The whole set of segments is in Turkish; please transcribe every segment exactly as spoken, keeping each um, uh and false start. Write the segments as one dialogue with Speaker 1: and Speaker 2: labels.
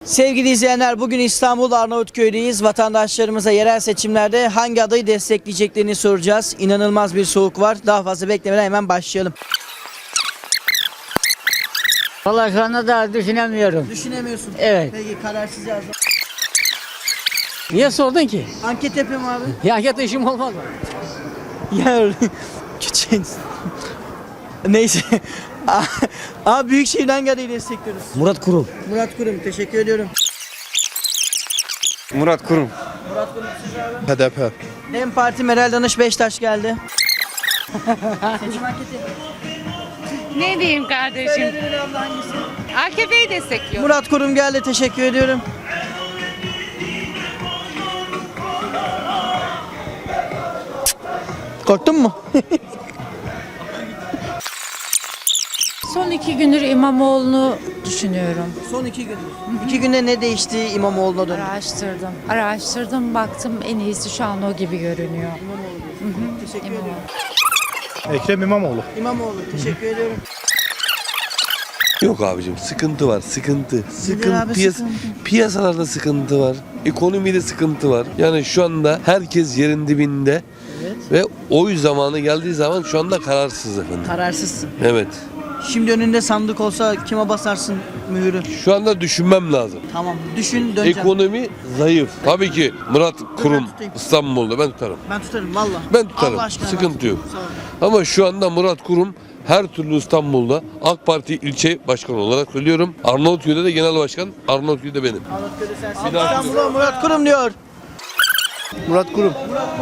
Speaker 1: Sevgili izleyenler, bugün İstanbul Arnavutköy'deyiz. Vatandaşlarımıza yerel seçimlerde hangi adayı destekleyeceklerini soracağız. İnanılmaz bir soğuk var. Daha fazla beklemeden hemen başlayalım.
Speaker 2: Vallahi şu anda da düşünemiyorum.
Speaker 1: Düşünemiyorsun.
Speaker 2: Evet.
Speaker 1: Peki, kararsız yazdım.
Speaker 2: Niye sordun ki?
Speaker 1: Anket yapayım abi.
Speaker 2: Ya anket işim olmaz mı?
Speaker 1: Ya küçük. Neyse. Abi Büyükşehir'den hangi adayı destekliyoruz?
Speaker 2: Murat Kurum.
Speaker 1: Murat Kurum, teşekkür ediyorum.
Speaker 3: Murat Kurum.
Speaker 1: Murat Kurum, siz abi.
Speaker 3: H D P.
Speaker 1: Dem Parti Meral Danış Beştaş geldi. Seçim anketi.
Speaker 4: Ne diyeyim kardeşim?
Speaker 1: Söyleyin abla, hangisi?
Speaker 4: A K P'yi destekliyor.
Speaker 1: Murat Kurum geldi, teşekkür ediyorum. Korktun mu?
Speaker 5: Son iki gündür İmamoğlu'nu düşünüyorum.
Speaker 1: Son iki gün. İki günde ne değişti İmamoğlu'na dönüp?
Speaker 5: Araştırdım. Araştırdım, baktım en iyisi şu an o gibi görünüyor.
Speaker 1: Teşekkür
Speaker 5: İmamoğlu.
Speaker 1: ediyorum.
Speaker 3: Ekrem İmamoğlu.
Speaker 1: İmamoğlu, teşekkür ediyorum.
Speaker 6: Yok abicim, sıkıntı var, sıkıntı. Sıkıntı,
Speaker 1: abi,
Speaker 6: piyas-
Speaker 1: sıkıntı?
Speaker 6: Piyasalarda sıkıntı var, ekonomide sıkıntı var. Yani şu anda herkes yerin dibinde ve oy zamanı geldiği zaman şu anda kararsız efendim.
Speaker 1: Kararsızsın.
Speaker 6: Evet.
Speaker 1: Şimdi önünde sandık olsa kime basarsın mühürü?
Speaker 6: Şu anda düşünmem lazım.
Speaker 1: Tamam, düşün, döneceğim.
Speaker 6: Ekonomi zayıf. Tabii ki Murat Kurum
Speaker 1: tutayım.
Speaker 6: İstanbul'da ben tutarım.
Speaker 1: Ben tutarım valla.
Speaker 6: Ben tutarım.
Speaker 1: Allah aşkına
Speaker 6: Sıkıntı
Speaker 1: ben
Speaker 6: yok.
Speaker 1: tutarım. Sağ ol.
Speaker 6: Ama şu anda Murat Kurum her türlü İstanbul'da AK Parti ilçe başkanı olarak söylüyorum. Arnavutköy'de de genel başkan, Arnavutköy'de benim.
Speaker 1: Arnavutköy'de sensin.
Speaker 6: Bir daha-
Speaker 1: İstanbul'a Murat Kurum diyor.
Speaker 3: Murat Kurum.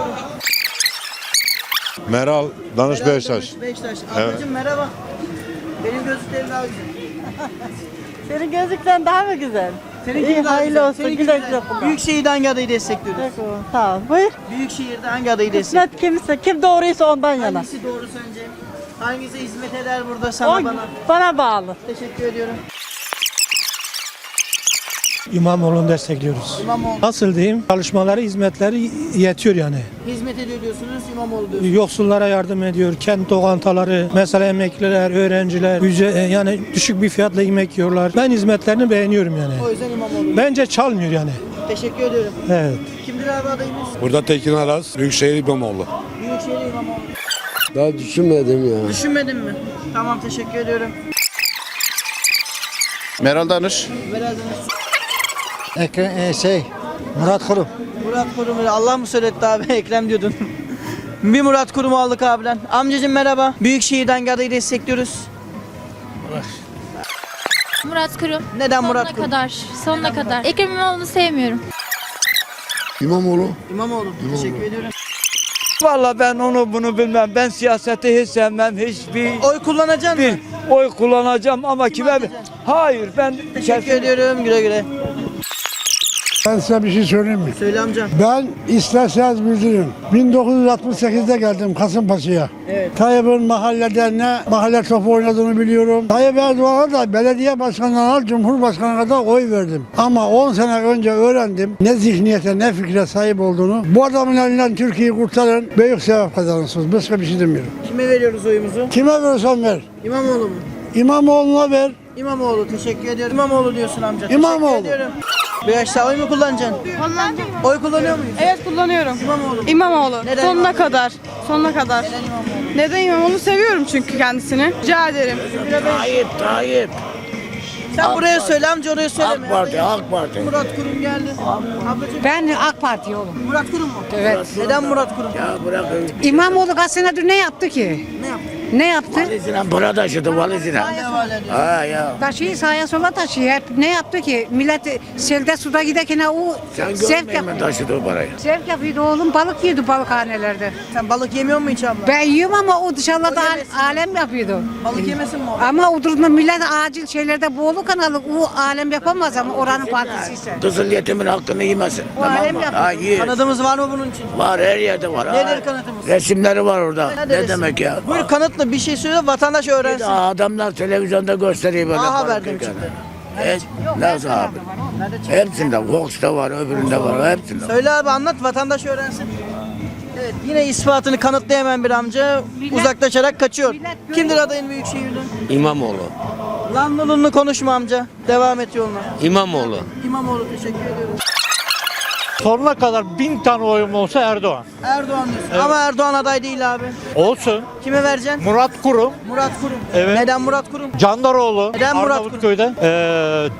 Speaker 7: Meral Danış
Speaker 1: Meral
Speaker 7: Beştaş.
Speaker 1: Danış Beştaş.
Speaker 7: Evet.
Speaker 1: Ablacığım merhaba. Benim gözlüklerim daha güzel.
Speaker 8: Senin gözlükten daha mı güzel?
Speaker 1: Seninki
Speaker 8: İyi,
Speaker 1: daha
Speaker 8: hayırlı
Speaker 1: güzel.
Speaker 8: olsun,
Speaker 1: Seninki
Speaker 8: güle
Speaker 1: güzel.
Speaker 8: güle kullan.
Speaker 1: Büyükşehir'de hangi adayı destekliyoruz?
Speaker 8: Peki, sağ ol. Buyur.
Speaker 1: Büyükşehir'de hangi adayı destekliyoruz?
Speaker 8: Kısmet kimse, kim doğruysa ondan yana.
Speaker 1: Hangisi doğru sence? Hangisi hizmet eder burada sana
Speaker 8: O
Speaker 1: bana?
Speaker 8: bana bağlı.
Speaker 1: Teşekkür ediyorum.
Speaker 9: İmamoğlu'nu destekliyoruz.
Speaker 1: İmamoğlu.
Speaker 9: Nasıl diyeyim? Çalışmaları, hizmetleri yetiyor yani.
Speaker 1: Hizmet ediyor diyorsunuz, İmamoğlu diyorsunuz.
Speaker 9: Yoksullara yardım ediyor. Kent lokantaları, mesela emekliler, öğrenciler, ücret, yani düşük bir fiyatla yemek yiyorlar. Ben hizmetlerini beğeniyorum yani.
Speaker 1: O yüzden İmamoğlu.
Speaker 9: Bence çalmıyor yani.
Speaker 1: Teşekkür ediyorum.
Speaker 9: Evet.
Speaker 1: Kimdir abi adayımız?
Speaker 7: Burada Tekin Aras, Büyükşehir İmamoğlu.
Speaker 1: Büyükşehir İmamoğlu.
Speaker 10: Daha düşünmedim ya.
Speaker 1: Düşünmedin mi? Tamam, teşekkür ediyorum.
Speaker 3: Meral Danış.
Speaker 1: Meral Danış.
Speaker 2: Ekrem, şey, Murat Kurum.
Speaker 1: Murat Kurum'u Allah mı söyletti abi? Ekrem diyordun. Bir Murat Kurum'u aldık abiden. Amcacığım merhaba. Büyükşehir'den hangi adayı destekliyoruz?
Speaker 11: Murat Kurum.
Speaker 1: Neden
Speaker 11: sonuna
Speaker 1: Murat Kurum?
Speaker 11: kadar. Sonuna kadar. Ekrem İmamoğlu'nu sevmiyorum.
Speaker 10: İmamoğlu.
Speaker 1: İmamoğlu. Teşekkür ediyorum.
Speaker 2: Vallahi ben onu bunu bilmem. Ben siyaseti hiç sevmem. Hiçbir
Speaker 1: Oy kullanacaksın mı?
Speaker 2: bir oy kullanacağım ama kime?
Speaker 1: atacaksın?
Speaker 2: Hayır, ben
Speaker 1: Teşekkür ediyorum. Güle güle.
Speaker 10: Ben size bir şey söyleyeyim mi?
Speaker 1: Söyle amcam.
Speaker 10: Ben isterseniz bildirin. bin dokuz yüz altmış sekizde geldim Kasımpaşa'ya.
Speaker 1: Evet.
Speaker 10: Tayyip'in mahallede ne mahalle topu oynadığını biliyorum. Tayyip Erdoğan'a da belediye başkanına, cumhurbaşkanına kadar oy verdim. Ama on sene önce öğrendim ne zihniyete ne fikre sahip olduğunu. Bu adamın elinden Türkiye'yi kurtarın. Büyük sevap kazanırsınız. Başka bir şey demiyorum.
Speaker 1: Kime veriyoruz oyumuzu?
Speaker 10: Kime verirsen ver.
Speaker 1: İmamoğlu mu?
Speaker 10: İmamoğlu'na ver.
Speaker 1: İmamoğlu, teşekkür ediyorum. İmamoğlu diyorsun amca.
Speaker 10: İmamoğlu.
Speaker 1: Teşekkür ediyorum. Bu yaşta oy mu kullanacaksın?
Speaker 8: Kullanacağım.
Speaker 1: Oy kullanıyor muyuz?
Speaker 8: Evet kullanıyorum.
Speaker 1: İmamoğlu.
Speaker 8: İmamoğlu.
Speaker 1: Neden
Speaker 8: Sonuna
Speaker 1: İmamoğlu?
Speaker 8: kadar. Sonuna kadar.
Speaker 1: Neden İmamoğlu?
Speaker 8: Neden İmamoğlu? Seviyorum çünkü kendisini. Rica ederim.
Speaker 10: Tayyip, Tayyip.
Speaker 1: Sen buraya söyle amca, oraya söyleme.
Speaker 10: AK Parti, AK Parti.
Speaker 1: Murat Kurum geldi. Ablacığım,
Speaker 2: Ben AK Parti oğlum.
Speaker 1: Murat Kurum mu?
Speaker 2: Evet.
Speaker 1: Neden Murat Kurum?
Speaker 2: İmamoğlu kaç senedir ne yaptı ki?
Speaker 1: Ne yaptı?
Speaker 2: Ne yaptı?
Speaker 10: Valizine para taşıdı valizine.
Speaker 1: Hangi havale ediyor?
Speaker 10: Ha ya.
Speaker 2: Taşıyı sağa sola taşıyor. Hep ne yaptı ki? Millet selde suda giderken o
Speaker 10: Sen
Speaker 2: zevk
Speaker 10: görmeyin mi
Speaker 2: yapıyor.
Speaker 10: taşıdı o parayı?
Speaker 2: Zevk yapıyordu oğlum. Balık yiyordu balıkhanelerde.
Speaker 1: Sen balık yemiyor musun hiç abla?
Speaker 2: Ben yiyorum ama o dışarıda
Speaker 1: O
Speaker 2: al-
Speaker 1: yemesin.
Speaker 2: alem yapıyordu.
Speaker 1: Balık yemesin mi o?
Speaker 2: Ama o durumda millet acil şeylerde boğulu kanalı o alem yapamaz ama oranın partisi ise.
Speaker 10: Kızıl yetimin hakkını yemesin.
Speaker 2: O alem yapıyor.
Speaker 10: Ha yer.
Speaker 1: Kanadımız var mı bunun için?
Speaker 10: Var her yerde var.
Speaker 1: Nedir
Speaker 10: Ha.
Speaker 1: kanıtımız?
Speaker 10: Resimleri var orada.
Speaker 1: Nedir
Speaker 10: Ne
Speaker 1: resim?
Speaker 10: demek ya?
Speaker 1: Buyur kanıtla bir şey söyle, vatandaş öğrensin.
Speaker 10: Aa, adamlar televizyonda gösteriyor böyle.
Speaker 1: Aa,
Speaker 10: balık
Speaker 1: haberden
Speaker 10: yerken.
Speaker 1: çıktı.
Speaker 10: Evet. Nasıl abi?
Speaker 1: Nerede çıktı?
Speaker 10: Hepsinde. Fox'ta var, öbüründe var. Hepsinde.
Speaker 1: Söyle abi, anlat, vatandaş öğrensin. Evet, yine ispatını kanıtlayamayan bir amca uzaklaşarak kaçıyor. Kimdir adayın Büyükşehir'den?
Speaker 6: İmamoğlu.
Speaker 1: Lanlılığını konuşma amca. Devam et yoluna.
Speaker 12: İmamoğlu.
Speaker 1: İmamoğlu teşekkür ediyorum.
Speaker 9: Sonuna kadar bin tane oyum olsa Erdoğan.
Speaker 1: Erdoğan diyorsun. Ama Erdoğan aday değil abi.
Speaker 9: Olsun.
Speaker 1: Kime vereceksin?
Speaker 9: Murat Kurum,
Speaker 1: Murat Kurum.
Speaker 9: Evet.
Speaker 1: Neden Murat Kurum?
Speaker 9: Candaroğlu,
Speaker 1: Neden Murat
Speaker 9: Arnavutköy'de. Ee,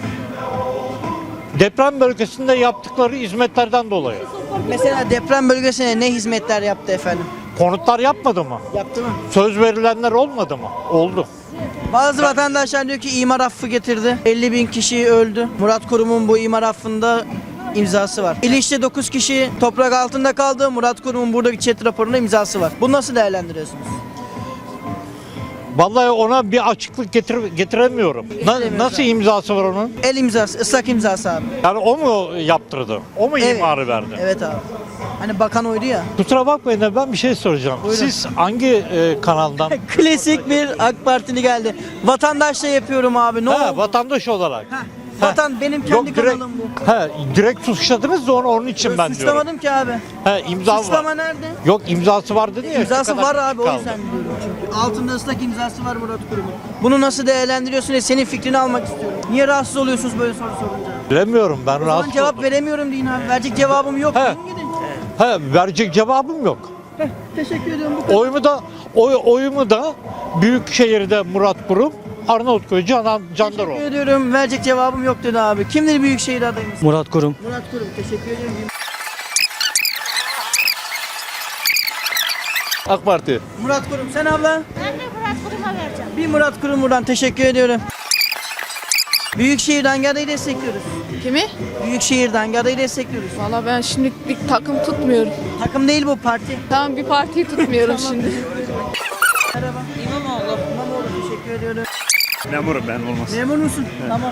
Speaker 9: deprem bölgesinde yaptıkları hizmetlerden dolayı.
Speaker 1: Mesela deprem bölgesine ne hizmetler yaptı efendim?
Speaker 9: Konutlar yapmadı mı?
Speaker 1: Yaptı mı?
Speaker 9: Söz verilenler olmadı mı? Oldu.
Speaker 1: Bazı vatandaşlar diyor ki imar affı getirdi. elli bin kişi öldü. Murat Kurum'un bu imar affında imzası var. İlişte dokuz kişi toprak altında kaldı. Murat Kurum'un buradaki chat raporunda imzası var. Bunu nasıl değerlendiriyorsunuz?
Speaker 9: Vallahi ona bir açıklık getir getiremiyorum. Na- nasıl imzası var onun?
Speaker 1: El imzası, ıslak imzası abi.
Speaker 9: Yani o mu yaptırdı? O mu
Speaker 1: Evet.
Speaker 9: imarı verdi?
Speaker 1: Evet abi. Hani bakan oydu ya.
Speaker 9: Kusura bakmayın da ben bir şey soracağım.
Speaker 1: Buyurun.
Speaker 9: Siz hangi e, kanaldan?
Speaker 1: Klasik bir AK Partili geldi. Vatandaşla yapıyorum abi. Ne
Speaker 9: ha,
Speaker 1: oldu?
Speaker 9: vatandaş olarak.
Speaker 1: Heh, Vatan benim kendi
Speaker 9: Yok, direkt,
Speaker 1: kanalım bu.
Speaker 9: he, direkt suçladınız da onu onun için ben diyorum.
Speaker 1: Suçlamadım ki abi.
Speaker 9: He, imza
Speaker 1: Suçlama
Speaker 9: var.
Speaker 1: nerede?
Speaker 9: Yok imzası var dedi ya.
Speaker 1: İmzası
Speaker 9: şu kadar
Speaker 1: var abi o
Speaker 9: kaldı.
Speaker 1: yüzden diyorum çünkü. Altında ıslak imzası var Murat Kurum'un. Bunu nasıl değerlendiriyorsun diye senin fikrini almak istiyorum. Niye rahatsız oluyorsunuz böyle soru sorunca?
Speaker 9: Bilemiyorum ben
Speaker 1: O zaman
Speaker 9: rahatsız
Speaker 1: cevap
Speaker 9: oldum.
Speaker 1: veremiyorum deyin abi. Verecek cevabım yok.
Speaker 9: He.
Speaker 1: Deyin gidin.
Speaker 9: He, verecek cevabım yok.
Speaker 1: Heh, teşekkür ediyorum. Bu kadar.
Speaker 9: Oyumu da oy, oyumu da Büyükşehir'de Murat Kurum, Arnavutköy Canan Candaroğlu.
Speaker 1: Teşekkür ediyorum. Verecek cevabım yok dedi abi. Kimdir Büyükşehir adayımız?
Speaker 12: Murat Kurum.
Speaker 1: Murat Kurum. Teşekkür ediyorum.
Speaker 3: AK Parti.
Speaker 1: Murat Kurum. Sen abla?
Speaker 11: Ben de Murat Kurum'a vereceğim.
Speaker 1: Bir Murat Kurum buradan. Teşekkür ediyorum. Büyükşehir'den hangi adayı destekliyoruz?
Speaker 8: Kimi?
Speaker 1: Büyükşehir'den hangi adayı destekliyoruz?
Speaker 8: Valla ben şimdi bir takım tutmuyorum.
Speaker 1: Takım değil bu parti.
Speaker 8: Tamam bir partiyi tutmuyorum şimdi.
Speaker 1: Merhaba. İmamoğlu. İmamoğlu teşekkür ediyorum.
Speaker 7: Memurum ben olmaz.
Speaker 1: Memur musun? Tamam.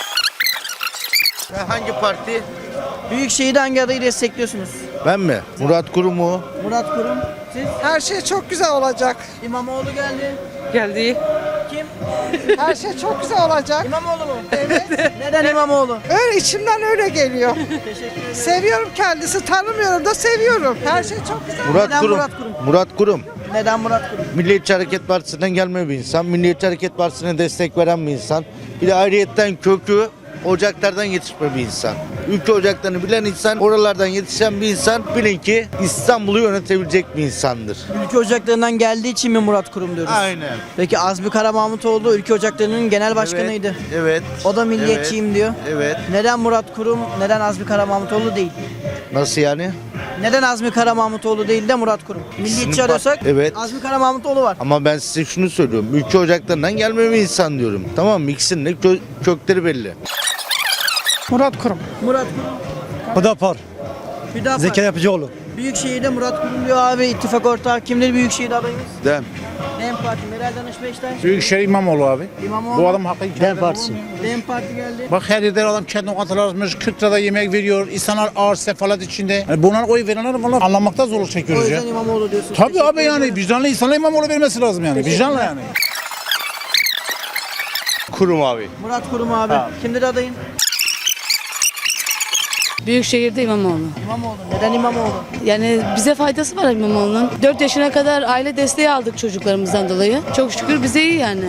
Speaker 3: Hangi parti?
Speaker 1: Büyükşehir'de hangi adayı destekliyorsunuz?
Speaker 3: Ben mi? Murat Kurum mu?
Speaker 1: Murat Kurum. Siz?
Speaker 2: Her şey çok güzel olacak.
Speaker 1: İmamoğlu geldi.
Speaker 4: Geldi.
Speaker 1: Kim?
Speaker 2: Her şey çok güzel olacak.
Speaker 1: İmamoğlu mu? Evet. Neden İmamoğlu?
Speaker 2: Öyle içimden öyle geliyor.
Speaker 1: Teşekkür ederim.
Speaker 2: Seviyorum kendisi, tanımıyorum da seviyorum. Her şey çok güzel.
Speaker 3: Murat
Speaker 1: Neden
Speaker 3: Kurum.
Speaker 1: Murat Kurum?
Speaker 3: Murat Kurum.
Speaker 1: Neden Murat Kurum?
Speaker 3: Milliyetçi Hareket Partisi'nden gelme bir insan. Milliyetçi Hareket Partisi'ne destek veren bir insan. Bir de ayrıyetten kökü ocaklardan yetişme bir insan. Ülke ocaklarını bilen insan, oralardan yetişen bir insan bilin ki İstanbul'u yönetebilecek bir insandır.
Speaker 1: Ülke Ocakları'ndan geldiği için mi Murat Kurum diyoruz?
Speaker 3: Aynen.
Speaker 1: Peki Azmi Karamahmutoğlu Ülke Ocakları'nın genel başkanıydı.
Speaker 3: Evet. Evet.
Speaker 1: O da milliyetçiyim diyor.
Speaker 3: Evet.
Speaker 1: Neden Murat Kurum, neden Azmi Karamahmutoğlu değil?
Speaker 3: Nasıl yani?
Speaker 1: Neden Azmi Karamahmutoğlu değil de Murat Kurum? Milliyetçi
Speaker 3: İkisinin
Speaker 1: arıyorsak
Speaker 3: fark- Evet.
Speaker 1: Azmi Karamahmutoğlu var.
Speaker 3: Ama ben size şunu söylüyorum. Ülke ocaklarından gelme bir insan diyorum. Tamam mı? İkisinin de kö- kökleri belli.
Speaker 2: Murat Kurum.
Speaker 1: Murat Kurum.
Speaker 9: Hüdapar,
Speaker 1: Hüdapar.
Speaker 9: Zeki Yapıcıoğlu.
Speaker 1: Büyükşehir'de Murat Kurum diyor abi, ittifak ortağı. Kimdir Büyükşehir adayımız?
Speaker 3: Dem.
Speaker 1: DEM Parti, Meral Danış Beştaş.
Speaker 7: Büyükşehir İmamoğlu abi.
Speaker 1: İmamoğlu.
Speaker 7: Bu adam hakkı
Speaker 9: Dem Partisi.
Speaker 1: DEM Parti geldi.
Speaker 7: Bak her yerde adam kendi lokantalar açmış, kırk lirada yemek veriyor. İnsanlar ağır sefalet içinde. Yani bunlar oy verenler vallahi anlamakta zorluk
Speaker 1: O
Speaker 7: çekiyoruz ya.
Speaker 1: yüzden İmamoğlu diyorsun.
Speaker 7: Tabii
Speaker 1: Teşekkür
Speaker 7: abi yani
Speaker 1: ederim.
Speaker 7: vicdanlı insana İmamoğlu vermesi lazım yani. Vicdanlı yani.
Speaker 3: Kurum abi.
Speaker 1: Murat Kurum abi. Kimdir adayın?
Speaker 8: Büyükşehir'de İmamoğlu.
Speaker 1: İmamoğlu. Neden İmamoğlu?
Speaker 8: Yani bize faydası var İmamoğlu'nun. dört yaşına kadar aile desteği aldık çocuklarımızdan dolayı. Çok şükür bize iyi yani.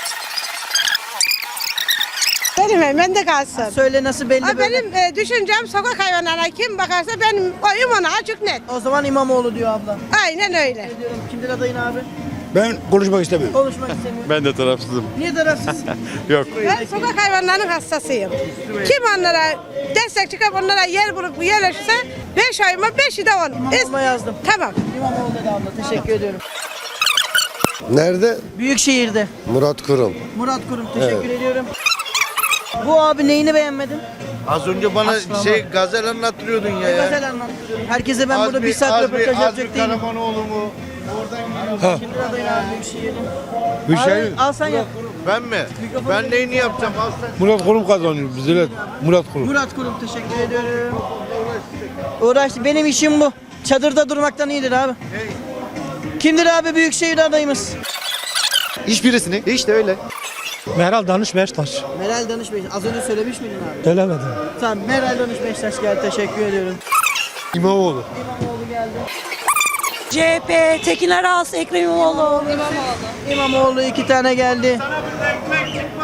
Speaker 2: Benim ben de kalsın.
Speaker 1: Söyle nasıl belli
Speaker 2: Ha,
Speaker 1: böyle.
Speaker 2: benim e, düşüncem sokak hayvanlarına kim bakarsa benim oyum ona açık net.
Speaker 1: O zaman İmamoğlu diyor abla.
Speaker 2: Aynen öyle.
Speaker 1: Diyorum. Kimdir adayın abi?
Speaker 7: Ben konuşmak istemiyorum.
Speaker 1: Konuşmak istemiyorum.
Speaker 3: Ben de tarafsızım.
Speaker 1: Niye tarafsız?
Speaker 3: Yok.
Speaker 2: Ben sokak hayvanlarının hastasıyım. Kim onlara destek çıkıp onlara yer bulup yerleşirse beş ayıma beşi de onun.
Speaker 1: İmamoğlu'na yazdım.
Speaker 2: Tamam.
Speaker 1: İmamoğlu dedi abla. Teşekkür ediyorum.
Speaker 3: Nerede?
Speaker 1: Büyükşehir'de.
Speaker 3: Murat Kurum.
Speaker 1: Murat Kurum. Teşekkür ediyorum. Bu abi neyini beğenmedin?
Speaker 3: Az önce bana şey gazel anlattırıyordun ya. ya.
Speaker 1: Gazel anlattırıyorum. Herkese ben burada bir saat röportaj yapacak değilim.
Speaker 3: Karamanoğlu mu? Oradan
Speaker 1: Kimdir adayın abi Büyükşehir'de?
Speaker 7: Büyükşehir.
Speaker 1: Abi, al sen yap.
Speaker 3: Ben mi?
Speaker 1: Mikrofonu
Speaker 3: Ben neyini yapacağım? Al sen.
Speaker 7: Murat Kurum kazanıyor bize. Murat Kurum.
Speaker 1: Murat Kurum teşekkür ediyorum. Uğraştı. Benim işim bu. Çadırda durmaktan iyidir abi. Kimdir abi Büyükşehir adayımız?
Speaker 3: Hiçbirisini. İşte öyle.
Speaker 9: Meral Danış Beştaş.
Speaker 1: Meral Danış Beştaş. Az önce söylemiş miydin abi?
Speaker 9: Söylemedim.
Speaker 1: Tamam Meral Danış Beştaş geldi. Teşekkür ediyorum.
Speaker 7: İmamoğlu.
Speaker 1: İmamoğlu geldi.
Speaker 2: C H P, Tekin Aras, Ekrem İmamoğlu.
Speaker 1: İmamoğlu iki tane geldi.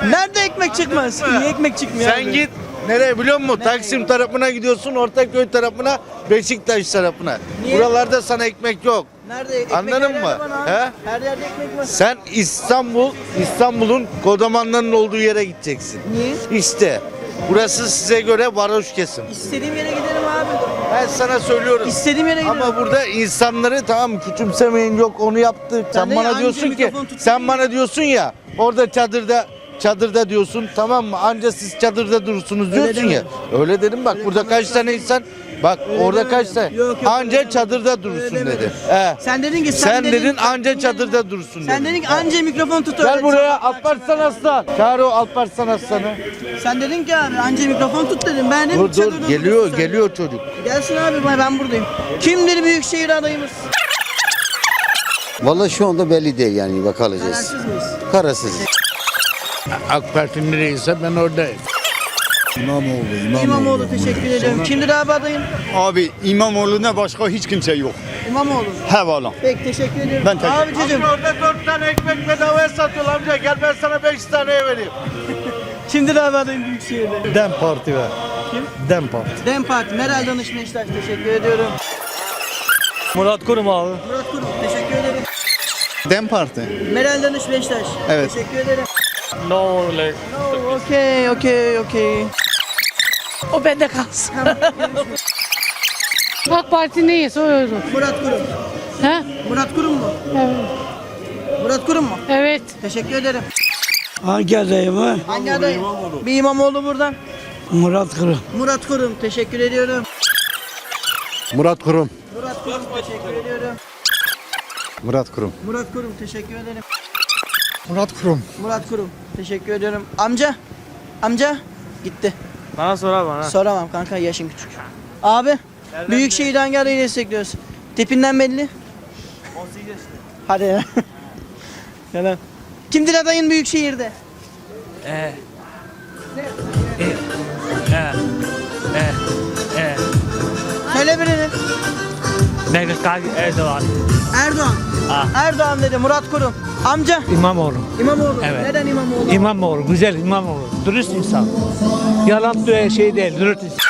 Speaker 1: Nerede ekmek çıkmaz? Niye ekmek çıkmıyor
Speaker 3: Sen
Speaker 1: abi?
Speaker 3: git nereye biliyor musun? Taksim tarafına gidiyorsun, Ortaköy tarafına, Beşiktaş tarafına.
Speaker 1: Niye?
Speaker 3: Buralarda sana ekmek yok.
Speaker 1: Nerede? Ekmek
Speaker 3: Anladın
Speaker 1: her yerde
Speaker 3: mı?
Speaker 1: var abi.
Speaker 3: He?
Speaker 1: Her yerde ekmek var.
Speaker 3: Sen İstanbul, İstanbul'un kodamanlarının olduğu yere gideceksin.
Speaker 1: Niye?
Speaker 3: İşte burası size göre varoş kesim.
Speaker 1: İstediğim yere giderim abi.
Speaker 3: Ben sana söylüyorum.
Speaker 1: İstediğim yere giderim.
Speaker 3: Ama burada insanları tamam küçümsemeyin, yok onu yaptı. Sen
Speaker 1: de
Speaker 3: bana
Speaker 1: anca
Speaker 3: diyorsun ki
Speaker 1: mikrofon tutayım.
Speaker 3: sen bana diyorsun ya orada çadırda çadırda diyorsun, tamam mı? Anca siz çadırda durursunuz diyorsun ya.
Speaker 1: demedim.
Speaker 3: Öyle dedim bak, burada kaç tane insan bak orada
Speaker 1: demedim.
Speaker 3: kaç tane
Speaker 1: Yok, yok,
Speaker 3: anca
Speaker 1: öyle demedim.
Speaker 3: çadırda durursun
Speaker 1: Öyle
Speaker 3: dedi.
Speaker 1: demedim.
Speaker 3: He.
Speaker 1: Sen dedin ki
Speaker 3: Sen, dedin,
Speaker 1: dedin
Speaker 3: anca çadırda durursun
Speaker 1: Sen
Speaker 3: dedin.
Speaker 1: dedin ki anca mikrofon tut.
Speaker 3: Gel
Speaker 1: öyle.
Speaker 3: buraya Alparslan Aslan. Çağır o Alparslan Aslan'ı.
Speaker 1: Sen dedin ki abi anca mikrofon tut dedim. Ben dedim
Speaker 3: Dur dur
Speaker 1: çadırda
Speaker 3: geliyor
Speaker 1: durursun sen.
Speaker 3: geliyor çocuk.
Speaker 1: Gelsin abi ben, ben buradayım. Kimdir Büyükşehir adayımız?
Speaker 12: Vallahi şu anda belli değil yani bakacağız.
Speaker 1: Kararsız mıyız?
Speaker 12: Kararsız.
Speaker 7: AK Parti nereyse ben oradayım. İmamoğlu,
Speaker 1: İmamoğlu teşekkür ediyorum. Kimdir abi adayın?
Speaker 10: Abi İmamoğlu'na başka hiç kimse yok.
Speaker 1: İmamoğlu.
Speaker 10: He valla.
Speaker 1: Peki teşekkür ediyorum.
Speaker 10: Ben teşekkür-
Speaker 1: Abicim
Speaker 3: Orada dört tane ekmek bedavaya satıyorlar amca. Gel ben sana beş taneye vereyim.
Speaker 1: kimdir abi adayın Büyükşehir'de?
Speaker 10: Dem Parti ver.
Speaker 1: Kim?
Speaker 10: Dem Parti.
Speaker 1: DEM Parti. Meral Danış Beşiktaş teşekkür ediyorum.
Speaker 9: Murat Kurum abi.
Speaker 1: Murat Kurum teşekkür ederim.
Speaker 10: Dem Parti.
Speaker 1: Meral Danış Beşiktaş.
Speaker 10: Evet.
Speaker 1: Teşekkür ederim.
Speaker 9: No like.
Speaker 1: No, okey okey okey.
Speaker 5: O bende kalsın.
Speaker 4: AK Parti neyse o.
Speaker 1: Murat Kurum.
Speaker 4: He?
Speaker 1: Murat Kurum mu?
Speaker 4: Evet.
Speaker 1: Murat Kurum mu?
Speaker 4: Evet.
Speaker 1: Teşekkür ederim.
Speaker 10: Hangi adayımı?
Speaker 1: Hangi aday? Bir İmamoğlu buradan.
Speaker 10: Murat Kurum.
Speaker 1: Murat Kurum teşekkür ediyorum.
Speaker 10: Murat Kurum.
Speaker 1: Murat Kurum teşekkür ediyorum.
Speaker 10: Murat Kurum.
Speaker 1: Murat Kurum teşekkür ederim.
Speaker 10: Murat Kurum.
Speaker 1: Murat Kurum teşekkür ediyorum. Amca. Amca. Gitti.
Speaker 9: Bana sor abi bana.
Speaker 1: Soramam kanka yaşın küçük. Abi. Büyükşehir hangi adayı destekliyoruz? Tipinden belli. on sekiz yaşında. Hadi ya. Yalan. Kimdir adayın Büyükşehir'de?
Speaker 9: Ee. Ee. Ee. Ee.
Speaker 1: Söyle birini.
Speaker 9: Mehmet Kaki Erdoğan.
Speaker 1: Erdoğan.
Speaker 9: Ah.
Speaker 1: Erdoğan dedi Murat Kurum. Amca.
Speaker 9: İmamoğlu.
Speaker 1: İmamoğlu.
Speaker 9: Evet.
Speaker 1: Neden İmamoğlu?
Speaker 9: İmamoğlu güzel İmamoğlu. Dürüst insan. Yalan diye şey değil. Dürüst insan.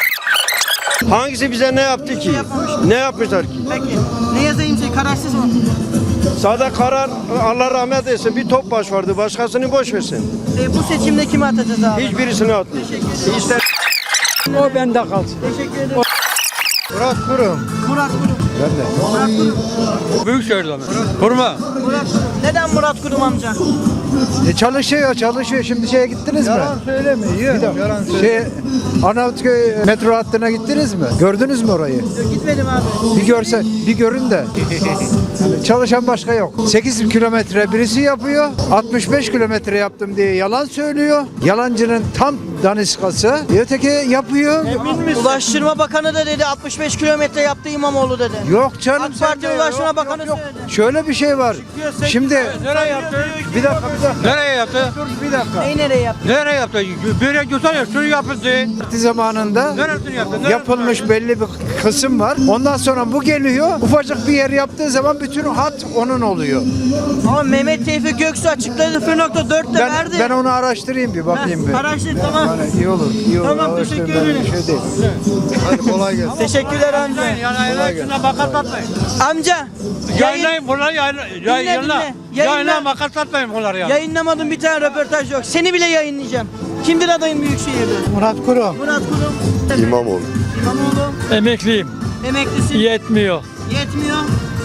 Speaker 10: Hangisi bize ne yaptı ki?
Speaker 1: yapmamış.
Speaker 10: Ne yapmışlar ki?
Speaker 1: Peki. Ne yazayım şey kararsız mı?
Speaker 10: Sade karar Allah rahmet eylesin bir Topbaş vardı başkasını boş versin.
Speaker 1: E, bu seçimde kime atacağız abi?
Speaker 10: Hiçbirisini atmıyor. İster
Speaker 9: O bende kalsın.
Speaker 1: Teşekkür ederim.
Speaker 10: Murat Kurum.
Speaker 1: Murat Kurum.
Speaker 10: Ben de.
Speaker 1: Murat Kurum.
Speaker 9: Büyükşehir'den. Kurma.
Speaker 1: Murat Kurum. Neden Murat Kurum amca?
Speaker 10: E çalışıyor çalışıyor. Şimdi şeye gittiniz mi? Yalan söyleme. Yalan söyleme. Şey, Arnavutköy metro hattına gittiniz mi? Gördünüz mü orayı?
Speaker 1: Yok, gitmedim abi.
Speaker 10: Bir görse, bir görün de. Yani çalışan başka yok. sekiz kilometre birisi yapıyor. altmış beş kilometre yaptım diye yalan söylüyor. Yalancının tam daniskası. Öteki yapıyor.
Speaker 1: Ulaştırma Bakanı da dedi altmış beş kilometre yaptı İmamoğlu dedi.
Speaker 10: Yok canım.
Speaker 1: AK
Speaker 10: sen
Speaker 1: Parti
Speaker 10: de-
Speaker 1: Ulaştırma
Speaker 10: yok,
Speaker 1: Bakanı
Speaker 10: yok, yok.
Speaker 1: söyledi.
Speaker 10: Şöyle bir şey var. Şimdi
Speaker 9: Nereye yaptı?
Speaker 10: bir dakika bir dakika.
Speaker 9: Nereye yaptı?
Speaker 10: Dur bir dakika.
Speaker 1: Neyi nereye yaptı?
Speaker 9: Nereye yaptı? Böyle güzel ya. Şunu yapıldı.
Speaker 10: Parti zamanında
Speaker 9: Neresini yaptı? Neresini
Speaker 10: yapılmış belli bir kısım var. Ondan sonra bu geliyor. Ufacık bir yer yaptığı zaman bütün hat onun oluyor.
Speaker 1: Ama Mehmet Tevfik Göksu açıkladı sıfır nokta dörtte
Speaker 10: Ben,
Speaker 1: verdi.
Speaker 10: ben onu araştırayım bir bakayım bir.
Speaker 1: Araştır tamam.
Speaker 10: Yani iyi olur. iyi olur.
Speaker 1: Tamam,
Speaker 10: Araştırın,
Speaker 1: teşekkür
Speaker 10: ben
Speaker 1: ederim.
Speaker 10: bir Şey değil. Hadi kolay gelsin.
Speaker 1: Teşekkürler amca.
Speaker 9: Yani şuna makas atmayın.
Speaker 1: Amca. Yayın,
Speaker 9: Yayınlayın bunları yayın,
Speaker 1: Dinle,
Speaker 9: yayınla.
Speaker 1: dinle. Yayınla.
Speaker 9: Yayınla makas atmayın bunları ya.
Speaker 1: yayınlamadım bir tane röportaj yok. Seni bile yayınlayacağım. Kimdir adayın Büyükşehir'de?
Speaker 10: Murat Kurum.
Speaker 1: Murat Kurum.
Speaker 12: İmamoğlu.
Speaker 1: İmamoğlu.
Speaker 9: Emekliyim.
Speaker 1: Emeklisin.
Speaker 9: Yetmiyor.
Speaker 1: Yetmiyor.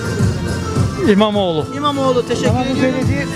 Speaker 9: İmamoğlu.
Speaker 1: İmamoğlu teşekkür ediyorum.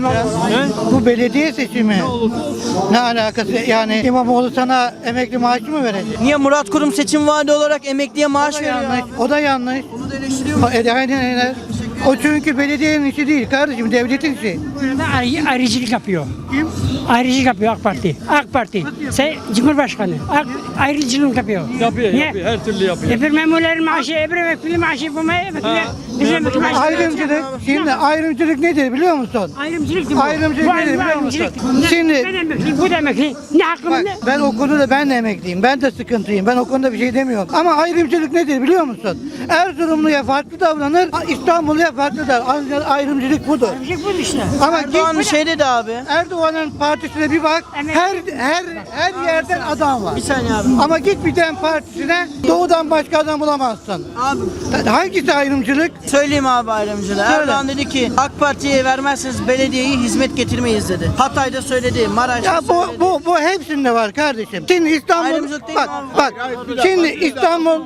Speaker 10: Bu belediye seçimi. Ne alakası? Yani İmamoğlu sana emekli maaşı mı verecek?
Speaker 1: Niye Murat Kurum seçim vaadi olarak emekliye maaş veriyor?
Speaker 10: Yanlış.
Speaker 1: abi?
Speaker 10: O da yanlış.
Speaker 1: Onu da eleştiriyor musun?
Speaker 10: O, e, aynen aynen. O çünkü belediyenin işi değil kardeşim, devletin işi.
Speaker 5: Ayrı, ayrıcılık yapıyor. Kim? Ayrıcılık yapıyor AK Parti. AK Parti. Sen Cumhurbaşkanı. AK, ayrıcılık yapıyor.
Speaker 9: Yapıyor,
Speaker 5: Niye?
Speaker 9: yapıyor. Her türlü yapıyor.
Speaker 5: Öbür memurların maaşı, öbür emekli maaşı, bu emekli. Bizim emekli maaşı.
Speaker 10: Ayrımcılık, şimdi ayrımcılık nedir biliyor musun?
Speaker 5: Ayrımcılık bu.
Speaker 10: Ayrımcılık
Speaker 5: Bu
Speaker 10: nedir biliyor
Speaker 5: ayrımcılık.
Speaker 10: musun? Şimdi-
Speaker 5: Ben emekli, bu da emekli. Ne hakkım
Speaker 10: Bak,
Speaker 5: ne?
Speaker 10: ben o konuda ben de emekliyim. Ben de sıkıntıyım. Ben o konuda bir şey demiyorum. Ama ayrımcılık nedir biliyor musun? Erzurumluya farklı davranır, İstanbulluya farklı davranır. Ayrımcılık budur.
Speaker 5: Ayrımcılık bu işte.
Speaker 10: Ama
Speaker 1: Erdoğan
Speaker 10: git,
Speaker 1: şey dedi abi.
Speaker 10: Erdoğan Erdoğan'ın partisine bir bak. Her her her yerden adam var.
Speaker 1: Bir saniye abi.
Speaker 10: Ama git bir tane partisine doğudan başka adam bulamazsın.
Speaker 1: Abi
Speaker 10: Hangisi ayrımcılık?
Speaker 1: söyleyeyim abi ayrımcılığı. Erdoğan dedi ki AK Parti'ye vermezseniz belediyeyi hizmet getirmeyiz dedi. Hatay'da söyledi, Maraş'ta
Speaker 10: Ya bu
Speaker 1: söyledi.
Speaker 10: bu bu hepsinde var kardeşim. Şimdi İstanbul
Speaker 1: Ayrımcılık değil
Speaker 10: bak
Speaker 1: mi abi?
Speaker 10: bak. Şimdi İstanbul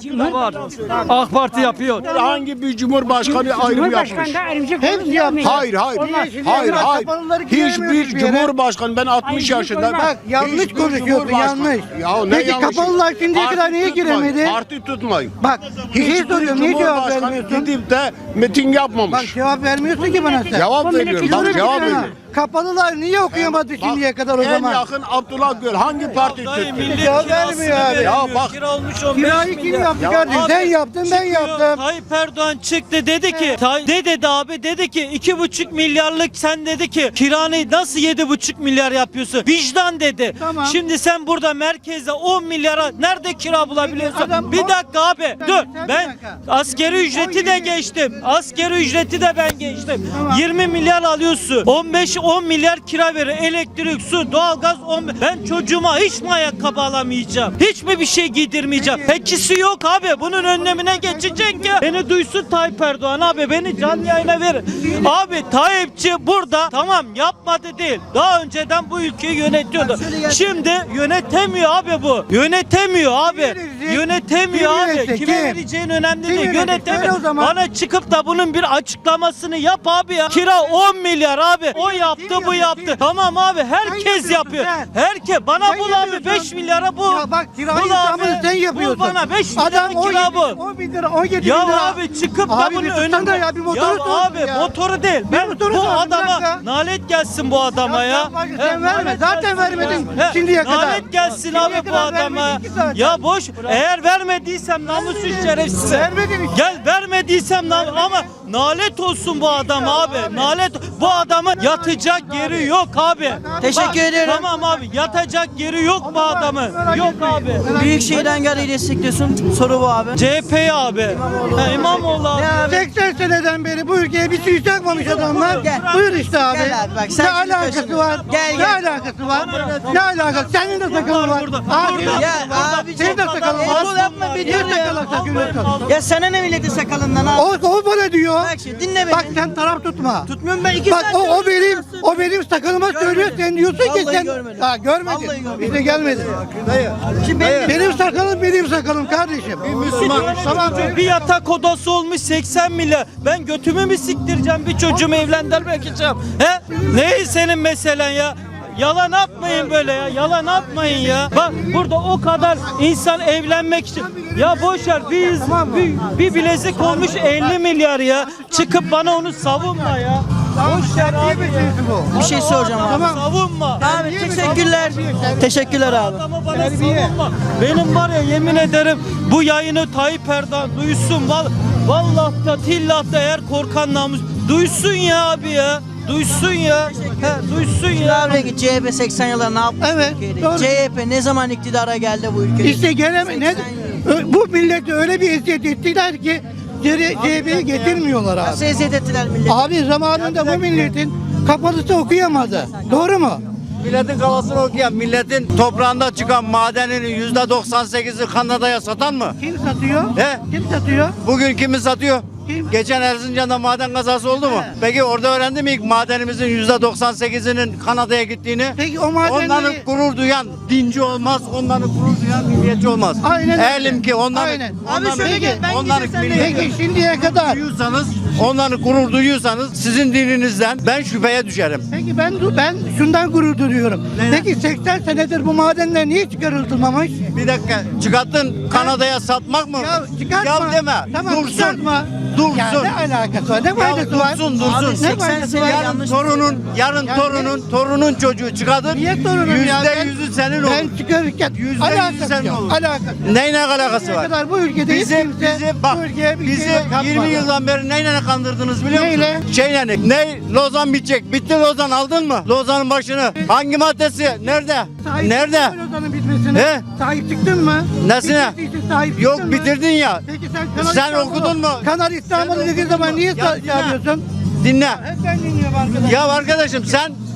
Speaker 13: AK Parti yapıyor. Hangi bir cumhurbaşkanı ayrım
Speaker 5: Cumhurbaşkanı
Speaker 13: yapmış?
Speaker 5: da ayrımcılık
Speaker 10: Hepsi
Speaker 5: olur
Speaker 10: yapmış.
Speaker 5: mu?
Speaker 13: Hayır hayır.
Speaker 10: Onlar-
Speaker 13: Hayır
Speaker 10: Onlar
Speaker 13: hayır.
Speaker 10: kapalıları giremiyoruz
Speaker 13: Hiçbir
Speaker 10: bir yere.
Speaker 13: cumhurbaşkanı ben altmış
Speaker 5: Ayrımcılık
Speaker 13: yaşında.
Speaker 5: olmaz.
Speaker 10: Bak yanlış
Speaker 13: Hiçbir
Speaker 10: konuşuyorsun
Speaker 13: cumhurbaşkanı-
Speaker 10: yanlış.
Speaker 13: Ya ne
Speaker 10: Peki
Speaker 13: yanlışı?
Speaker 10: kapalılar şimdiye
Speaker 13: Parti
Speaker 10: kadar niye
Speaker 13: tutmayın,
Speaker 10: giremedi?
Speaker 13: Parti tutmayın.
Speaker 10: Bak bir şey
Speaker 13: Hiçbir
Speaker 10: soruyorum niye cevap
Speaker 13: cumhurbaşkanı
Speaker 10: vermiyorsun?
Speaker 13: gidip de miting yapmamış.
Speaker 10: Bak cevap vermiyorsun ki bana sen.
Speaker 13: Cevap
Speaker 5: Bu
Speaker 13: veriyorum.
Speaker 5: milletin
Speaker 13: Bak
Speaker 5: cumhurbaşkanı-
Speaker 13: cevap veriyorum.
Speaker 10: Kapalılar niye okuyamadı
Speaker 13: Bak,
Speaker 10: şimdiye kadar o
Speaker 13: en
Speaker 10: zaman?
Speaker 13: yakın Abdullah Gül hangi parti tuttu?
Speaker 10: Cevap vermiyor abi.
Speaker 13: Ya bak
Speaker 10: Kirayı kim yaptı kardeşim? Sen yaptın ben yaptım.
Speaker 14: Tayyip Erdoğan çıktı dedi ki Tay- ne dedi abi dedi ki iki buçuk milyarlık sen dedi ki kiranı nasıl yedi buçuk milyar yapıyorsun vicdan dedi.
Speaker 10: Tamam.
Speaker 14: Şimdi sen burada merkezde on milyara nerede kira bulabiliyorsun?
Speaker 10: Adam
Speaker 14: Bir
Speaker 10: on-
Speaker 14: dakika abi
Speaker 10: Sen-
Speaker 14: dur
Speaker 10: sen bir
Speaker 14: ben
Speaker 10: dakika.
Speaker 14: askeri ücreti de geçtim askeri ücreti de ben geçtim yirmi milyar alıyorsun on beş on milyar kira verir elektrik su doğalgaz on ben çocuğuma hiç mi ayakkabı alamayacağım hiç mi bir şey giydirmeyeceğim pekisi yok abi bunun önlemine geçecek ya beni duysun Tayyip Erdoğan abi beni canlı yayına verin abi Tayyipçi burada tamam yapmadı değil daha önceden bu ülkeyi yönetiyordu şimdi yönetemiyor abi bu yönetemiyor abi yönetemiyor
Speaker 10: Kim
Speaker 14: abi
Speaker 10: yönetecek?
Speaker 14: kime
Speaker 10: Kim?
Speaker 14: vereceğin önemli
Speaker 10: Kim
Speaker 14: değil
Speaker 10: yönetecek?
Speaker 14: yönetemiyor
Speaker 10: Söyle o zaman.
Speaker 14: bana çıkıp da bunun bir açıklamasını yap abi ya kira on milyar abi o yaptı bu
Speaker 10: yapıyor,
Speaker 14: yaptı
Speaker 10: kim?
Speaker 14: tamam abi herkes
Speaker 10: yapıyorsun
Speaker 14: yapıyor
Speaker 10: sen.
Speaker 14: herkes bana
Speaker 10: Sen
Speaker 14: bul abi
Speaker 10: yapıyorsun.
Speaker 14: beş milyara bu
Speaker 10: Ya bak kirayı
Speaker 14: Bul
Speaker 10: İstanbul'u
Speaker 14: abi.
Speaker 10: sen yapıyorsun.
Speaker 14: Bul bana beş milyara
Speaker 10: Adam on
Speaker 14: kira
Speaker 10: yedi,
Speaker 14: bu
Speaker 10: on bin lira on yedi
Speaker 14: ya
Speaker 10: bin lira.
Speaker 14: abi çıkıp da
Speaker 10: Abi
Speaker 14: bunun
Speaker 10: bir tutsana
Speaker 14: önünde
Speaker 10: ya, bir motoru
Speaker 14: ya
Speaker 10: sorsun
Speaker 14: abi
Speaker 10: ya.
Speaker 14: motoru değil ben
Speaker 10: motoru
Speaker 14: bu
Speaker 10: sorsun, bir
Speaker 14: adama
Speaker 10: dakika.
Speaker 14: nalet gelsin bu adama
Speaker 10: Ya
Speaker 14: ya,
Speaker 10: sen bak,
Speaker 14: He,
Speaker 10: sen verme.
Speaker 14: nalet
Speaker 10: Zaten
Speaker 14: gelsin
Speaker 10: vermedin
Speaker 14: ya. He,
Speaker 10: şimdiye kadar.
Speaker 14: nalet gelsin
Speaker 10: Şimdiye
Speaker 14: abi bu
Speaker 10: kadar
Speaker 14: adama
Speaker 10: vermedin ki zaten.
Speaker 14: ya boş eğer vermediysem namussuz şerefsiz
Speaker 10: Vermedin işte.
Speaker 14: gel vermediysem nam- ama nalet olsun bu adam abi nalet bu adamın yatacak yeri yok abi
Speaker 1: Teşekkür
Speaker 14: Bak,
Speaker 1: ederim.
Speaker 14: tamam abi yatacak yeri yok bu adamın yok abi
Speaker 1: Büyükşehir'den geldiği destekliyorsun. Soru bu abi.
Speaker 14: C H P abi Ha, İmamoğlu abi
Speaker 10: seksen seneden beri bu ülkeye bir şey takmamış adamlar.
Speaker 1: Gel.
Speaker 10: Buyur işte abi.
Speaker 1: Gel abi bak, sen
Speaker 10: ne
Speaker 1: şimdi
Speaker 10: alakası
Speaker 1: kaşındın.
Speaker 10: var?
Speaker 1: Gel,
Speaker 10: Ne
Speaker 1: gel.
Speaker 10: alakası var? Ne alakası? Senin de sakalın var.
Speaker 14: burada,
Speaker 10: Abi,
Speaker 14: burada.
Speaker 1: Ya
Speaker 14: Burada.
Speaker 1: abi
Speaker 10: Senin de sakalın var.
Speaker 1: Erol yapma beni
Speaker 10: Niye
Speaker 1: ya.
Speaker 10: sakalın takıyorsun?
Speaker 1: Ya sana ne milletin sakalından abi?
Speaker 10: O, o bana diyor.
Speaker 1: Bak şimdi dinle beni.
Speaker 10: Bak sen taraf tutma.
Speaker 1: Tutmuyorum ben iki
Speaker 10: Bak
Speaker 1: saat
Speaker 10: o, o
Speaker 1: söylüyorum,
Speaker 10: benim
Speaker 1: nasıl?
Speaker 10: o benim sakalıma söylüyor sen diyorsun ki
Speaker 1: Vallahi
Speaker 10: sen
Speaker 1: görmedim.
Speaker 10: ha görmedin.
Speaker 1: Vallahi görmedim.
Speaker 10: Bize gelmedi.
Speaker 1: Şimdi benim
Speaker 10: Benim sakalım benim sakalım kardeşim. Müslüman. Tamam.
Speaker 14: Bir yatak odası olmuş seksen milyar. Ben götümü mü siktireceğim bir çocuğumu evlendirmek için? He? Ne senin meselen ya? Yalan atmayın böyle ya. Yalan atmayın ya. Bak burada o kadar insan evlenmek için. Ya boş ver bir, bir, bir bilezik olmuş elli milyar ya. Çıkıp bana onu savunma ya. Boş ver abi ya.
Speaker 1: bir şey soracağım abi.
Speaker 14: Tamam. Savunma.
Speaker 1: Abi teşekkürler. Teşekkürler abi.
Speaker 14: Adamı bana savunma. Benim var ya yemin ederim bu yayını Tayyip Erdoğan duysun. Val vallahi da tillah da eğer korkan namus duysun ya abi ya. Duysun ya. He, duysun ya.
Speaker 1: Abi ki C H P seksen yıllar ne yapmış
Speaker 10: Evet,
Speaker 1: Türkiye'de?
Speaker 10: doğru.
Speaker 1: C H P ne zaman iktidara geldi bu ülkede?
Speaker 10: İşte geleme ne Ö- bu millete öyle bir eziyet ettiler ki C H P'yi getirmiyorlar abi.
Speaker 1: Nasıl eziyet ettiler millet?
Speaker 10: Abi zamanında bu milletin kapalısı okuyamadı. Doğru mu?
Speaker 12: Milletin kafasını okuyan, milletin toprağında çıkan madeninin yüzde doksan sekizi Kanada'ya satan mı?
Speaker 10: Kim satıyor?
Speaker 12: He?
Speaker 10: Kim satıyor?
Speaker 12: Bugün kimi satıyor?
Speaker 10: Kim?
Speaker 12: Geçen Erzincan'da maden kazası oldu mu? Peki orada öğrendi mi ilk madenimizin yüzde doksan sekizinin Kanada'ya gittiğini?
Speaker 10: Peki o madenleri...
Speaker 12: Onların gurur duyan dinci olmaz, onların gurur duyan milliyetçi olmaz.
Speaker 10: Aynen öyle.
Speaker 12: Eğilim ki onların,
Speaker 10: Aynen.
Speaker 12: onların,
Speaker 10: Abi şöyle gel, ben
Speaker 12: onların
Speaker 10: gideyim, sen de
Speaker 12: milliyetçi
Speaker 10: Peki şimdiye kadar.
Speaker 12: duyuyorsanız, onların gurur duyuyorsanız sizin dininizden ben şüpheye düşerim.
Speaker 10: Peki ben ben şundan gurur duyuyorum. Peki seksen senedir bu madenler niye çıkarılmamış?
Speaker 12: Bir dakika, çıkarttın Kanada'ya satmak mı?
Speaker 10: Ya çıkartma.
Speaker 12: Ya deme,
Speaker 10: Tamam,
Speaker 12: dursun.
Speaker 10: çıkartma.
Speaker 12: Dursun.
Speaker 10: Ya ne alakası var? Ne
Speaker 12: Ya
Speaker 10: faydası var?
Speaker 12: dursun, dursun.
Speaker 10: Ne
Speaker 1: seksen
Speaker 10: faydası
Speaker 1: sene
Speaker 10: var?
Speaker 1: ya-
Speaker 12: Yarın
Speaker 1: yanlış
Speaker 12: torunun, yarın
Speaker 10: Yani
Speaker 12: torunun, torunun çocuğu çıkardır.
Speaker 10: Niye torunum ya?
Speaker 12: Yüzde
Speaker 10: Ben-
Speaker 12: yüzü senin olur.
Speaker 10: Ben çıkarırken
Speaker 12: Yüzde yüzü
Speaker 10: alakası
Speaker 12: senin
Speaker 10: yok.
Speaker 12: olur.
Speaker 10: Alakası.
Speaker 12: Neyle alakası
Speaker 10: Şimdiye
Speaker 12: var?
Speaker 10: kadar bu ülkede hiç
Speaker 12: Bizi,
Speaker 10: kimse
Speaker 12: bizi bak,
Speaker 10: bu ülkeye bir
Speaker 12: bizi
Speaker 10: şey yapmadı.
Speaker 12: yirmi yıldan beri neyle kandırdınız biliyor musun?
Speaker 10: Neyle?
Speaker 12: Şeyle, ne? Lozan bitecek. Bitti Lozan, aldın mı? Lozan'ın başını. Hangi maddesi? Nerede?
Speaker 10: Sahip
Speaker 12: Nerede?
Speaker 10: çıktın mı Lozan'ın bitmesine?
Speaker 12: He?
Speaker 10: Sahip çıktın mı?
Speaker 12: Nesine?
Speaker 10: Bitirdiyse sahip
Speaker 12: Yok
Speaker 10: çıktın mı?
Speaker 12: bitirdin ya.
Speaker 10: Peki sen Kanal
Speaker 12: Sen
Speaker 10: İstanbul'u-
Speaker 12: okudun mu?
Speaker 10: Kanal İstanbul'u dediğin zaman niye
Speaker 12: Ya
Speaker 10: sa-
Speaker 12: dinle.
Speaker 10: yapıyorsun?
Speaker 12: Dinle.
Speaker 10: Hep ben dinliyorum arkadaş.
Speaker 12: Ya arkadaşım sen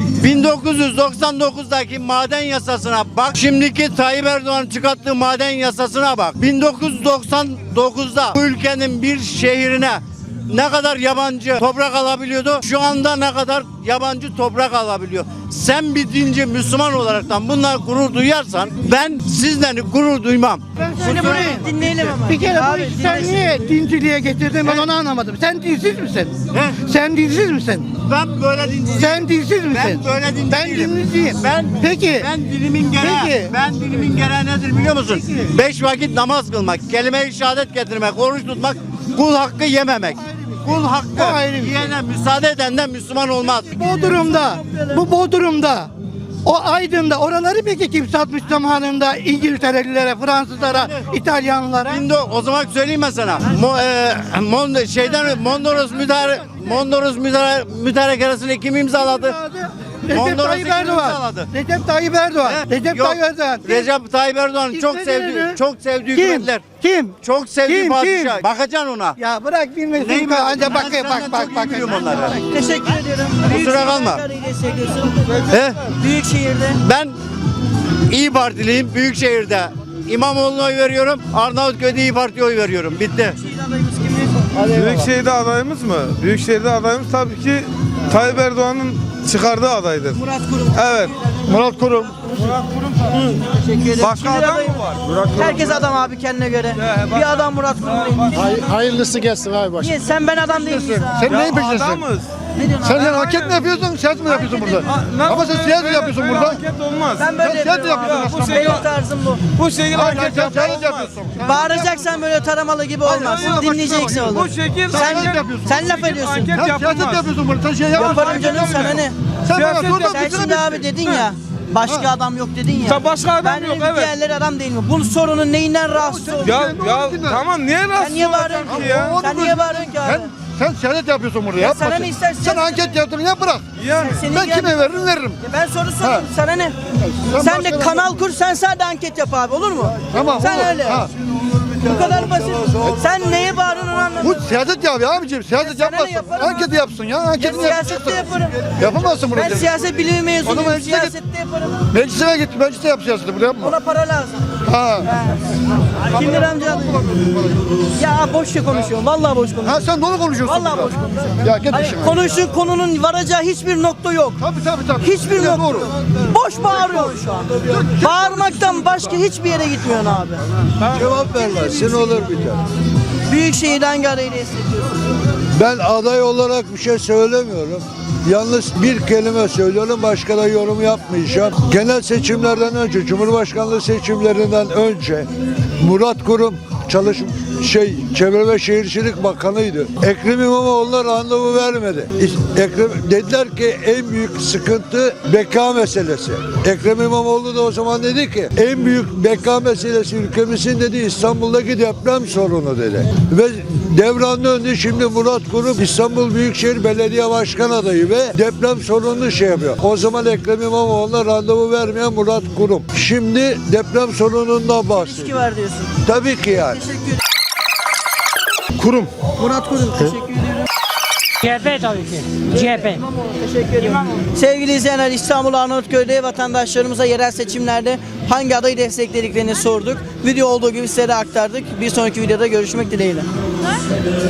Speaker 12: bin dokuz yüz doksan dokuzdaki maden yasasına bak. Şimdiki Tayyip Erdoğan'ın çıkarttığı maden yasasına bak. bin dokuz yüz doksan dokuzda bu ülkenin bir şehrine ne kadar yabancı toprak alabiliyordu? Şu anda ne kadar yabancı toprak alabiliyor? Sen bir dinci Müslüman olaraktan bunlar gurur duyarsan ben sizden gurur duymam.
Speaker 1: Şimdi burayı dinleyelim ama.
Speaker 10: Bir kere
Speaker 1: Abi,
Speaker 10: bu işi sen
Speaker 1: dinlesin.
Speaker 10: niye dinciliğe getirdin ben onu anlamadım. Sen dinsiz misin?
Speaker 12: He?
Speaker 10: Sen dinsiz misin?
Speaker 12: Ben böyle dinci
Speaker 10: Sen dinsiz misin?
Speaker 12: Ben böyle dinci
Speaker 10: Ben
Speaker 12: değilim.
Speaker 10: dinliyim.
Speaker 12: Ben
Speaker 10: Peki.
Speaker 12: Ben dilimin gereği.
Speaker 10: Peki.
Speaker 12: Ben dilimin gereği nedir biliyor musun? Beş vakit namaz kılmak, kelime-i şehadet getirmek, oruç tutmak, kul hakkı yememek. Kul
Speaker 10: O
Speaker 12: hakkı
Speaker 10: ayrı bir şey.
Speaker 12: yiyene müsaade edenden Müslüman olmaz.
Speaker 10: Bodrum'da, bu Bodrum'da, o Aydın'da oraları peki kim satmış zamanında İngilterelilere, Fransızlara, İtalyanlara?
Speaker 12: Şimdi o zaman söyleyeyim ben sana. Mo, e, Mon, şeyden Mondros müdahale Mondros müdahale mütarekeresini kim imzaladı?
Speaker 10: Recep
Speaker 12: Mondros'u
Speaker 10: Tayyip
Speaker 12: kim
Speaker 10: Erdoğan.
Speaker 12: imzaladı?
Speaker 10: Recep Tayyip Erdoğan.
Speaker 12: He?
Speaker 10: Recep
Speaker 12: Yok,
Speaker 10: Tayyip Erdoğan.
Speaker 12: Recep Tayyip Erdoğan'ın çok
Speaker 10: İstediğini-
Speaker 12: sevdiği çok sevdiği
Speaker 10: Kim?
Speaker 12: hükümetler.
Speaker 10: Kim?
Speaker 12: Çok sevdiği
Speaker 10: Kim?
Speaker 12: padişah.
Speaker 10: Kim?
Speaker 12: Bakacaksın ona.
Speaker 10: Ya bırak bilmesin.
Speaker 12: Neyi
Speaker 10: Anca
Speaker 12: bilmiyorum?
Speaker 10: bak
Speaker 12: Ben
Speaker 10: bak
Speaker 12: senden
Speaker 10: bak
Speaker 12: çok
Speaker 10: bak.
Speaker 12: iyi biliyorum onları.
Speaker 1: Teşekkür ediyorum.
Speaker 12: Kusura kalma.
Speaker 1: Hissediyorsun.
Speaker 12: He?
Speaker 1: Büyükşehir'de.
Speaker 12: Ben İyi Partiliyim. Büyükşehir'de İmamoğlu'na oy veriyorum. Arnavutköy'de İyi Parti'ye oy veriyorum. Bitti.
Speaker 13: Büyükşehir'de adayımız mı? Büyükşehir'de adayımız tabii ki Tayyip Erdoğan'ın çıkardığı adaydır.
Speaker 1: Murat Kurum.
Speaker 13: Evet.
Speaker 3: Murat Kurum.
Speaker 13: Murat Kurum.
Speaker 1: Teşekkür ederim.
Speaker 13: Başka
Speaker 1: Şimdi
Speaker 13: adam
Speaker 1: adayım.
Speaker 13: mı var? Murat Kurum.
Speaker 1: Herkes adam abi kendine göre. Bir adam Murat Kurum değil.
Speaker 10: Hay- hayırlısı gelsin abi baş.
Speaker 1: Niye? Sen ben adam değil miyiz abi?
Speaker 10: Sen neyin peşindesin?
Speaker 13: Adamız.
Speaker 1: Ne diyorsun
Speaker 10: Sen
Speaker 1: abi?
Speaker 10: sen anket mi yapıyorsun, siyaset mi yapıyorsun burada? Ama sen siyaset yapıyorsun
Speaker 13: Böyle
Speaker 10: burada.
Speaker 13: hareket olmaz.
Speaker 1: Ben böyle
Speaker 10: Sen
Speaker 1: yapıyorum
Speaker 10: yapıyorsun
Speaker 1: abi.
Speaker 10: aslında.
Speaker 1: Bu benim tarzım bu.
Speaker 13: Bu şekilde
Speaker 10: Hayır,
Speaker 13: hareket
Speaker 10: sen
Speaker 13: yapmak
Speaker 10: siyaset
Speaker 13: olmaz.
Speaker 10: yapıyorsun.
Speaker 1: Bağıracaksan böyle taramalı gibi olmaz.
Speaker 10: hayır,
Speaker 1: Dinleyeceksin
Speaker 10: bak,
Speaker 1: olur.
Speaker 13: Bu şekilde
Speaker 1: Sen,
Speaker 13: hareket
Speaker 10: yapıyorsun.
Speaker 1: sen laf ediyorsun.
Speaker 13: Hareket
Speaker 10: Sen siyaset
Speaker 13: yapılmaz.
Speaker 10: yapıyorsun burada. Sen şey yapma.
Speaker 1: Yaparım canım sana ne?
Speaker 10: Sen bana
Speaker 13: Siyaset
Speaker 10: dur da
Speaker 13: yap-
Speaker 1: Sen
Speaker 10: bitir
Speaker 1: şimdi
Speaker 10: bitir.
Speaker 1: abi dedin ya. Başka adam yok dedin ya.
Speaker 13: Ta başka adam
Speaker 1: ben
Speaker 13: yok,
Speaker 1: dedim
Speaker 13: evet.
Speaker 1: diğerleri adam değil mi? Bu sorunun neyinden rahatsız oldun?
Speaker 13: Ya ya tamam niye
Speaker 1: Sen
Speaker 13: rahatsız
Speaker 1: niye
Speaker 13: olacaksın
Speaker 1: bağırıyorsun
Speaker 13: ki
Speaker 1: ki
Speaker 13: ya?
Speaker 1: Sen niye bağırıyorsun ki abi?
Speaker 10: Sen, sen siyaset yapıyorsun burada.
Speaker 1: Ya
Speaker 10: Yapma.
Speaker 1: sana
Speaker 10: sen.
Speaker 1: ne istersen
Speaker 10: Sen
Speaker 1: yap.
Speaker 10: anket yaptın ya bırak.
Speaker 13: Yani
Speaker 1: Senin
Speaker 10: Ben
Speaker 1: gel-
Speaker 10: kime veririm veririm.
Speaker 1: Ya ben soru sorayım sana ne?
Speaker 10: Sen
Speaker 1: Sen de
Speaker 10: başka-
Speaker 1: kanal kur, sen sadece anket yap abi, olur mu?
Speaker 10: Tamam,
Speaker 1: Sen
Speaker 10: olur.
Speaker 1: öyle.
Speaker 10: Ha.
Speaker 1: Bu kadar basit. Sen neye bağırıyorsun onu anlamadım.
Speaker 10: Bu siyaset yapıyor abicim. Siyaset
Speaker 1: Ya sana ne
Speaker 10: yapmasın.
Speaker 1: yaparım
Speaker 10: Anketi
Speaker 1: abi?
Speaker 10: yapsın ya.
Speaker 1: Ya
Speaker 10: Anketini
Speaker 1: siyasette
Speaker 10: yapacaksın.
Speaker 1: yaparım.
Speaker 10: Yapamazsın burada.
Speaker 1: Ben siyaset bilimi
Speaker 10: O
Speaker 1: mezunuyum.
Speaker 10: zaman meclise git.
Speaker 1: Siyasette yaparım.
Speaker 10: Meclise git. Meclise yap siyaseti. Burada yapma.
Speaker 1: Ona para lazım.
Speaker 10: Ha.
Speaker 1: Kim lira amca? Ya boş şey konuşuyorum. Vallahi boş konuşuyorum.
Speaker 10: Ha sen dolu konuşuyorsun.
Speaker 1: Vallahi
Speaker 10: burada.
Speaker 1: boş konuşuyorum.
Speaker 10: Ya git
Speaker 1: Hani
Speaker 10: işine.
Speaker 1: konuşun konunun varacağı hiçbir nokta yok.
Speaker 10: Tabii tabii tabii.
Speaker 1: Hiçbir
Speaker 10: Ya,
Speaker 1: nokta
Speaker 10: doğru.
Speaker 1: yok. Boş bağırıyorsun şu an. Bağırmaktan başka hiçbir yere gitmiyorsun abi.
Speaker 3: Cevap vermezsin olur biter.
Speaker 1: Büyükşehir'de hangi adayı destekliyorsun?
Speaker 3: Ben aday olarak bir şey söylemiyorum. Yalnız bir kelime söylüyorum, başka da yorum yapmayacağım. Genel seçimlerden önce, Cumhurbaşkanlığı seçimlerinden önce Murat Kurum çalış şey Çevre ve Şehircilik Bakanıydı. Ekrem İmamoğlu'na randevu vermedi. Ekrem dediler ki en büyük sıkıntı beka meselesi. Ekrem İmamoğlu da o zaman dedi ki en büyük beka meselesi ülkemizin dedi İstanbul'daki deprem sorunu dedi. Ve devran döndü, şimdi Murat Kurum İstanbul Büyükşehir Belediye Başkan adayı ve deprem sorununu şey yapıyor. O zaman Ekrem İmamoğlu'na randevu vermeyen Murat Kurum. Şimdi deprem sorunundan bahsediyor.
Speaker 1: İlişki var diyorsun.
Speaker 3: Tabii ki yani.
Speaker 1: Teşekkür ederim.
Speaker 13: Kurum.
Speaker 1: Murat Kurum, teşekkür ediyorum.
Speaker 5: C H P tabii ki. C H P.
Speaker 1: İmamoğlu, teşekkür ederim. Sevgili izleyenler, İstanbul Arnavutköy'de vatandaşlarımıza yerel seçimlerde hangi adayı desteklediklerini sorduk. Video olduğu gibi size de aktardık. Bir sonraki videoda görüşmek dileğiyle.